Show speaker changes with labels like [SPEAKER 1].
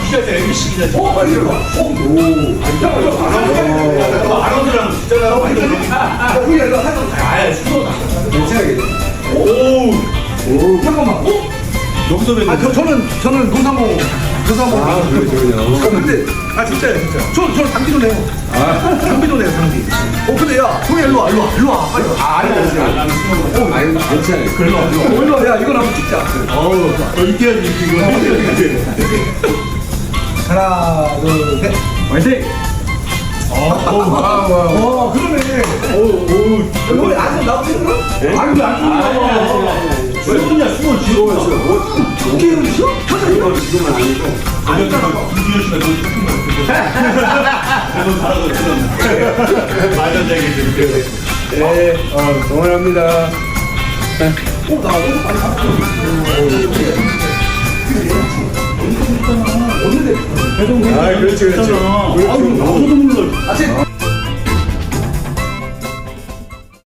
[SPEAKER 1] 진짜 MBC다.
[SPEAKER 2] 빨리 들어가.
[SPEAKER 1] 아나운서랑 진짜로
[SPEAKER 2] 우리 애가 하던
[SPEAKER 1] 아예 수도다.
[SPEAKER 2] 괜찮아요.
[SPEAKER 1] 오.
[SPEAKER 2] 잠깐만.
[SPEAKER 1] 여기서 왜?
[SPEAKER 2] 저는 노상호.
[SPEAKER 3] 아, 그러시군요.
[SPEAKER 2] 근데 진짜요 진짜. 저는 장비도 내요. 장비도 내요 장비. 근데 야 형이 일로 와 빨리 와.
[SPEAKER 3] 아니, 괜찮아요.
[SPEAKER 2] 일로 와. 야 이건 한번 찍자.
[SPEAKER 1] 이때야지 이거.
[SPEAKER 2] 하나 둘 셋.
[SPEAKER 1] 화이팅.
[SPEAKER 2] 그러네. 여기 아직 나오지 않나? 아니 왜안
[SPEAKER 1] 왜 그러냐 숨을 지어.
[SPEAKER 2] 게임을 쉬어?
[SPEAKER 3] 이거 지금은 아니고.
[SPEAKER 1] 아니잖아. 김준현 씨가 너 조금 너 잘하고 있어. 말도 안 되게 지금.
[SPEAKER 3] 네, 응원합니다.
[SPEAKER 2] 나 너무 많이 봤어.
[SPEAKER 3] 아, 그렇지, 그렇지.
[SPEAKER 1] 아유 나도 몰라.